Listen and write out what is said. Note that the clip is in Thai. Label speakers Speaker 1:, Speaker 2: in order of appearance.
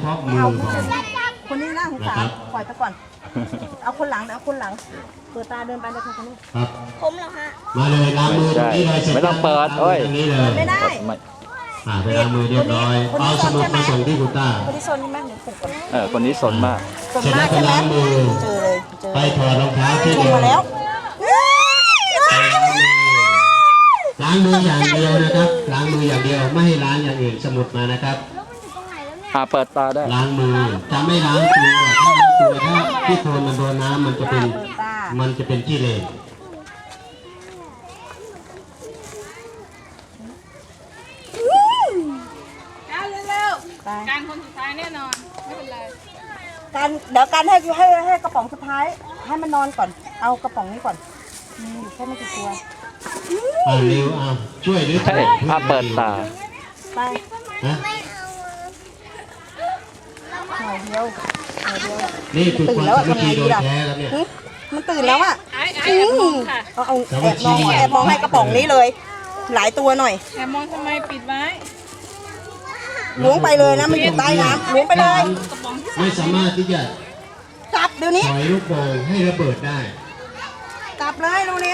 Speaker 1: พาะมือพอ
Speaker 2: คนนี้น่าสงสารปล่อยไปก่อนเอาคนหลังเอาคนหลังเปิดตาเดินไปเลยค่ะคนนี้
Speaker 1: ครับ
Speaker 2: ผมเหรอฮะ
Speaker 1: มาเลยล้างมือตรงนี้เลย
Speaker 3: ไม่ต้องเปิดเอ้ย
Speaker 1: ตรงนี้เลย
Speaker 2: ไม่ได้
Speaker 1: ไปล้างมือเรียบร้อยเอาสมุดไปส่งที่คุณต้า
Speaker 2: คนที่โซนนี่แม่หนูปลุกก่อน
Speaker 3: คนนี้สนมาก
Speaker 2: ส่วนมากใช่ไหมเจอเลยเจอ
Speaker 1: ไปถอดรองเท้าที่
Speaker 2: ชม
Speaker 1: เดียว
Speaker 2: มาแล้ว
Speaker 1: ล้างมืออย่างเดียวนะครับล้างมืออย่างเดียวไม่ให้ล้างอย่างอื่นสมุดมานะครับ
Speaker 3: เปิดตาได้
Speaker 1: ล้างมือจะไม่ล้างตัวถ้าล้างตัวถ้าที่โคลนมันโดนน้ำมันจะเป็นขี้เหร่
Speaker 4: เร็วๆการคนสุดท้ายแน่นอน ไม่เป็นไร
Speaker 2: การเดี๋ยวการให้กระป๋องสุดท้ายให้มันนอนก่อนเอากระป๋องนี้ก่อนมีอยู่แค่ไม่กี่ตัว
Speaker 1: เร็วช่วยด้วย
Speaker 3: เปิดตา
Speaker 2: ไป
Speaker 1: นะ
Speaker 2: หน่อยเดียวหน่อยเดียว
Speaker 1: นี่คือ
Speaker 2: ตื่
Speaker 1: คน วาม
Speaker 2: แล้ว
Speaker 1: สามัค
Speaker 2: ทำไง
Speaker 1: คีโด
Speaker 2: ดี
Speaker 1: ย
Speaker 2: ล่ะ
Speaker 1: แท้ครับเนี่ย
Speaker 2: มันตื่นแล้วอ่ะ
Speaker 4: ไอ้แอบมองค่ะ
Speaker 2: เอาแอบมองให้กระป๋องนี้เลย หลายตัวหน่อย
Speaker 4: แอบมองทำไมปิดไว้
Speaker 2: ล้วงไปเลยนะมันอยู่ใต้น้ำล้วงไปเลย
Speaker 1: ไม่สามารถที่จะ
Speaker 2: จับเดี๋ยวนี้
Speaker 1: ปล่อยลูกโป่งให้ระเบิดได้
Speaker 2: จับเลยดูนี่